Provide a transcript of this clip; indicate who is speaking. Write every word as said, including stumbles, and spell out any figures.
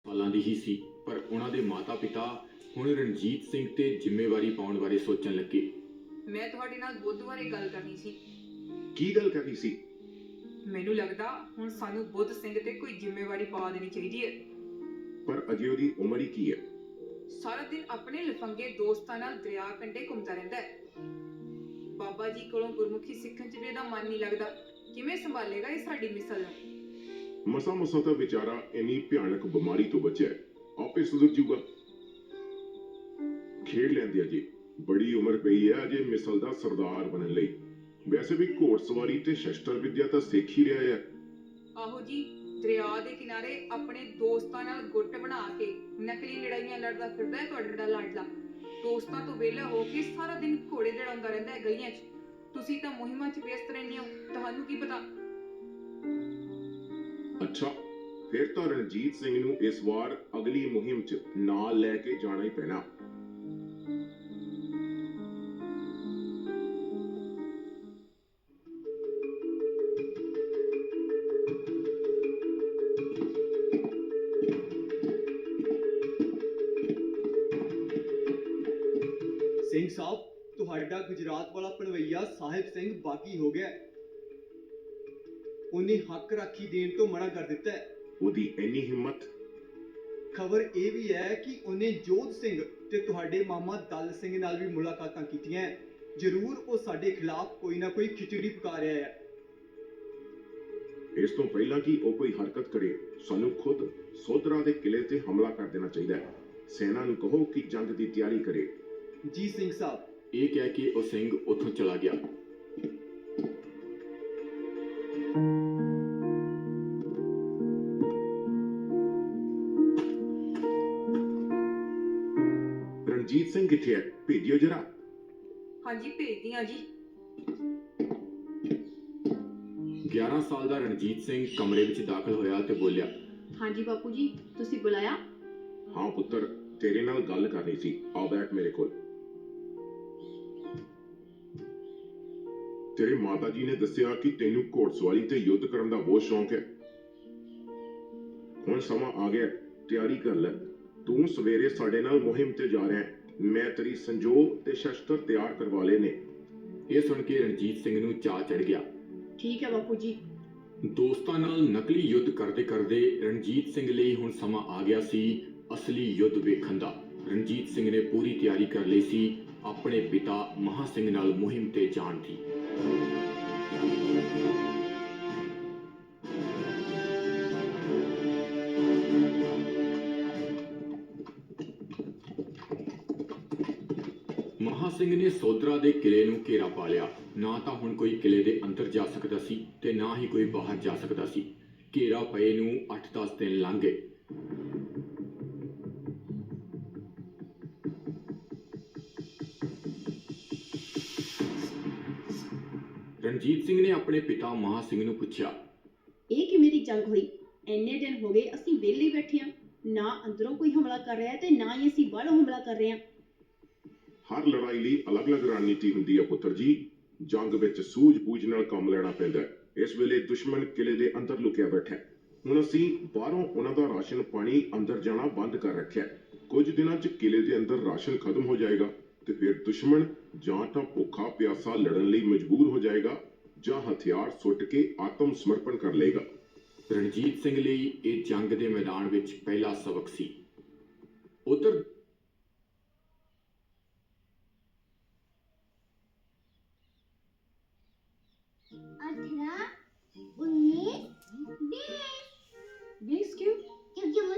Speaker 1: ਸਾਲਾਂ ਦੀ ਹੀ ਸੀ, ਪਰ ਉਹਨਾਂ ਦੇ ਮਾਤਾ-ਪਿਤਾ ਹੁਣ ਰਣਜੀਤ ਸਿੰਘ ਤੇ ਜ਼ਿੰਮੇਵਾਰੀ ਪਾਉਣ ਬਾਰੇ ਸੋਚਣ ਲੱਗੇ।
Speaker 2: ਮੈਂ ਤੁਹਾਡੇ ਨਾਲ ਬੁੱਧ ਬਾਰੇ ਗੱਲ ਕਰਨੀ ਸੀ।
Speaker 3: ਕੀ ਗੱਲ ਕਰਨੀ ਸੀ?
Speaker 2: ਮੈਨੂੰ ਲੱਗਦਾ ਹੁਣ ਸਾਨੂੰ ਬੁੱਧ ਸਿੰਘ ਤੇ ਕੋਈ ਜ਼ਿੰਮੇਵਾਰੀ ਪਾ ਦੇਣੀ ਚਾਹੀਦੀ ਹੈ।
Speaker 3: ਪਰ ਅਜੇ ਉਹਦੀ ਉਮਰ ਹੀ ਕੀ ਹੈ?
Speaker 2: ਸਾਰਾ ਦਿਨ ਆਪਣੇ ਲਫੰਗੇ ਦੋਸਤਾਂ ਨਾਲ ਦਰਿਆ ਕੰਢੇ ਘੁੰਮਦਾ ਰਹਿੰਦਾ ਹੈ। ਬਾਬਾ ਜੀ ਕੋਲੋਂ ਗੁਰਮੁਖੀ ਸਿੱਖਣ 'ਚ ਵੀ ਇਹਦਾ ਮਨ ਨਹੀਂ ਲੱਗਦਾ। ਕਿਵੇਂ ਸੰਭਾਲੇਗਾ ਇਹ ਸਾਡੀ ਮਿਸਲ ਨੂੰ?
Speaker 3: ਮਸਾ ਮਸਾ ਤਾਂ ਵਿਚਾਰਾ ਇੰਨੀ ਭਿਆਨਕ ਬਿਮਾਰੀ ਤੋਂ ਬਚਿਆ, ਆਪੇ ਸੁਧਰ ਜੂਗਾ। ਖੇਡ ਲੈਂਦੇ ਅਜੇ, ਬੜੀ ਉਮਰ ਪਈ ਹੈ ਅਜੇ ਮਿਸਲ ਦਾ ਸਰਦਾਰ ਬਣਨ ਲਈ। ਵੈਸੇ ਵੀ ਘੋੜਸਵਾਰੀ ਤੇ ਸ਼ਸਤਰ ਵਿੱਦਿਆ ਤਾਂ ਸਿੱਖ ਹੀ ਰਿਹਾ ਹੈ।
Speaker 2: ਆਹੋ ਜੀ, ਦਰਿਆ ਦੇ ਕਿਨਾਰੇ ਆਪਣੇ ਦੋਸਤਾਂ ਨਾਲ ਗੁੱਟ ਬਣਾ ਕੇ ਨਕਲੀ ਲੜਾਈਆਂ ਲੜਦਾ ਫਿਰਦਾ ਹੈ ਤੁਹਾਡਾ ਜਿਹੜਾ ਲਾਡਲਾ। ਦੋਸਤਾਂ ਤੋਂ ਵਿਹਲਾ ਹੋ ਕੇ ਸਾਰਾ ਦਿਨ ਘੋੜੇ ਲੜਾਉਂਦਾ ਰਹਿੰਦਾ ਹੈ ਗਲੀਆਂ 'ਚ। ਤੁਸੀਂ ਤਾਂ ਮੁਹਿੰਮਾਂ 'ਚ ਵਿਅਸਤ ਰਹਿੰਦੇ ਹੋ, ਤੁਹਾਨੂੰ ਕੀ ਪਤਾ।
Speaker 3: ਅੱਛਾ, ਫਿਰ ਤਾਂ ਰਣਜੀਤ ਸਿੰਘ ਨੂੰ ਇਸ ਵਾਰ ਅਗਲੀ ਮੁਹਿੰਮ 'ਚ ਨਾਲ ਲੈ ਕੇ ਜਾਣਾ ਹੀ ਪੈਣਾ।
Speaker 4: ਸਿੰਘ ਸਾਹਿਬ, ਤੁਹਾਡਾ ਗੁਜਰਾਤ ਵਾਲਾ ਭਣਵਈਆ ਸਾਹਿਬ ਸਿੰਘ ਬਾਗੀ ਹੋ ਗਿਆ। ਉਹਨੇ ਹੱਕ ਰਾਖੀ ਦੇਣ ਤੋਂ ਮਨਾ ਕਰ ਦਿੱਤਾ ਹੈ।
Speaker 3: ਉਹਦੀ ਇੰਨੀ ਹਿੰਮਤ?
Speaker 4: ਖਬਰ ਇਹ ਵੀ ਹੈ ਕਿ ਉਹਨੇ ਜੋਧ ਸਿੰਘ ਤੇ ਤੁਹਾਡੇ ਮਾਮਾ ਦਲ ਸਿੰਘ ਨਾਲ ਵੀ ਮੁਲਾਕਾਤਾਂ ਕੀਤੀਆਂ। ਜ਼ਰੂਰ ਉਹ ਸਾਡੇ ਖਿਲਾਫ ਕੋਈ ਨਾ ਕੋਈ ਖਿਚੜੀ ਪਕਾ ਰਿਹਾ ਹੈ।
Speaker 3: ਇਸ ਤੋਂ ਪਹਿਲਾਂ ਕਿ ਉਹ ਕੋਈ ਹਰਕਤ ਕਰੇ, ਸਾਨੂੰ ਖੁਦ ਸੋਧਰਾ ਦੇ ਕਿਲੇ ਤੇ ਹਮਲਾ ਕਰ ਦੇਣਾ ਚਾਹੀਦਾ ਹੈ। ਸੈਨਾ ਨੂੰ ਕਹੋ ਕਿ ਜੰਗ ਦੀ ਤਿਆਰੀ ਕਰੇ।
Speaker 4: ਜੀ ਸਿੰਘ ਸਾਹਿਬ।
Speaker 1: ਇਹ ਕਹਿ ਕੇ ਉਹ ਸਿੰਘ ਉੱਥੋਂ ਚਲਾ ਗਿਆ।
Speaker 3: ਰਣਜੀਤ ਸਿੰਘ ਕਿੱਥੇ ਹੈ? ਭੇਜਿਓ ਜਰਾ।
Speaker 2: ਹਾਂਜੀ ਭੇਜਦੀ ਹਾਂ ਜੀ।
Speaker 1: ਗਿਆਰਾਂ ਸਾਲ ਦਾ ਰਣਜੀਤ ਸਿੰਘ ਕਮਰੇ ਵਿੱਚ ਦਾਖਲ ਹੋਇਆ ਤੇ ਬੋਲਿਆ,
Speaker 5: ਹਾਂਜੀ ਬਾਪੂ ਜੀ, ਤੁਸੀਂ ਬੁਲਾਇਆ?
Speaker 3: ਹਾਂ ਪੁੱਤਰ, ਤੇਰੇ ਨਾਲ ਗੱਲ ਕਰਨੀ ਸੀ। ਆ ਬੈਠ ਮੇਰੇ ਕੋਲ। ਤੇਰੇ ਮਾਤਾ ਜੀ ਨੇ ਦੱਸਿਆ ਕਿ ਤੈਨੂੰ ਘੋੜਸਵਾਰੀ ਤੇ ਯੁੱਧ ਕਰਨ ਦਾ ਬਹੁਤ ਸ਼ੌਂਕ ਹੈ। ਹੁਣ ਸਮਾਂ ਆ ਗਿਆ, ਤਿਆਰੀ ਕਰ ਲੈ। ਤੂੰ ਸਵੇਰੇ ਸਾਡੇ ਨਾਲ ਮੁਹਿੰਮ ਤੇ ਜਾ ਰਿਹਾ ਹੈ। ਮੈਂ ਤੇਰੀ ਸੰਜੋਗ ਤੇ ਸ਼ਸਤਰ ਤਿਆਰ ਕਰਵਾ ਲਏ ਨੇ।
Speaker 1: ਇਹ ਸੁਣ ਕੇ ਰਣਜੀਤ ਸਿੰਘ ਨੂੰ ਚਾਅ ਚੜ ਗਿਆ।
Speaker 5: ਠੀਕ ਹੈ ਬਾਪੂ ਜੀ।
Speaker 1: ਦੋਸਤਾਂ ਨਾਲ ਨਕਲੀ ਯੁੱਧ ਕਰਦੇ ਕਰਦੇ ਰਣਜੀਤ ਸਿੰਘ ਲਈ ਹੁਣ ਸਮਾਂ ਆ ਗਿਆ ਸੀ ਅਸਲੀ ਯੁੱਧ ਵੇਖਣ ਦਾ। ਰਣਜੀਤ ਸਿੰਘ ਨੇ ਪੂਰੀ ਤਿਆਰੀ ਕਰ ਲਈ ਸੀ ਆਪਣੇ ਪਿਤਾ ਮਹਾ ਸਿੰਘ ਨਾਲ ਮੁਹਿੰਮ ਤੇ ਜਾਣ ਦੀ। ਮਹਾ ਸਿੰਘ ਨੇ ਸੋਧਰਾ ਦੇ ਕਿਲੇ ਨੂੰ ਘੇਰਾ ਪਾ ਲਿਆ। ਨਾ ਤਾਂ ਹੁਣ ਕੋਈ ਕਿਲੇ ਦੇ ਅੰਦਰ ਜਾ ਸਕਦਾ ਸੀ ਤੇ ਨਾ ਹੀ ਕੋਈ ਬਾਹਰ ਜਾ ਸਕਦਾ ਸੀ। ਘੇਰਾ ਪਏ ਨੂੰ ਅੱਠ ਦਸ ਦਿਨ ਲੰਘ ਗਏ। ਰਣਜੀਤ ਸਿੰਘ ਨੇ ਆਪਣੇ ਪਿਤਾ ਮਹਾ ਸਿੰਘ ਨੂੰ ਪੁੱਛਿਆ,
Speaker 5: ਇਹ ਕਿਵੇਂ ਦੀ ਜੰਗ ਹੋਈ? ਇੰਨੇ ਦਿਨ ਹੋ ਗਏ ਅਸੀਂ ਵਿਹਲੇ ਬੈਠੇ ਹਾਂ, ਨਾ ਅੰਦਰੋਂ ਕੋਈ ਹਮਲਾ ਕਰ ਰਿਹਾ ਤੇ ਨਾ ਹੀ ਅਸੀਂ ਬਾਹਰੋਂ ਹਮਲਾ ਕਰ ਰਹੇ ਹਾਂ।
Speaker 3: ਹਰ ਲੜਾਈ ਲਈ ਅਲੱਗ-ਅਲੱਗ ਰਣਨੀਤੀ ਹੁੰਦੀ ਹੈ ਪੁੱਤਰ ਜੀ। ਜੰਗ ਵਿੱਚ ਸੂਝ-ਬੂਝ ਨਾਲ ਕੰਮ ਲੈਣਾ ਪੈਂਦਾ ਹੈ। ਇਸ ਵੇਲੇ ਦੁਸ਼ਮਣ ਕਿਲੇ ਦੇ ਅੰਦਰ ਲੁਕਿਆ ਬੈਠਾ ਹੈ। ਹੁਣ ਅਸੀਂ ਬਾਹਰੋਂ ਉਹਨਾਂ ਦਾ ਰਾਸ਼ਨ ਪਾਣੀ ਅੰਦਰ ਜਾਣਾ ਬੰਦ ਕਰ ਰੱਖਿਆ। ਕੁਝ ਦਿਨਾਂ 'ਚ ਕਿਲੇ ਦੇ ਅੰਦਰ ਰਾਸ਼ਨ ਖਤਮ ਹੋ ਜਾਏਗਾ ਤੇ ਫਿਰ ਦੁਸ਼ਮਣ ਜਾਂ ਤਾਂ ਭੁੱਖਾ ਪਿਆਸਾ ਲੜਨ ਲਈ ਮਜਬੂਰ ਹੋ ਜਾਏਗਾ ਜਾਂ ਹਥਿਆਰ ਸੁੱਟ ਕੇ ਆਤਮ ਸਮਰਪਣ ਕਰ ਲਏਗਾ।
Speaker 1: ਰਣਜੀਤ ਸਿੰਘ ਲਈ ਇਹ ਜੰਗ ਦੇ ਮੈਦਾਨ ਵਿੱਚ ਪਹਿਲਾ ਸਬਕ ਸੀ। ਉਧਰ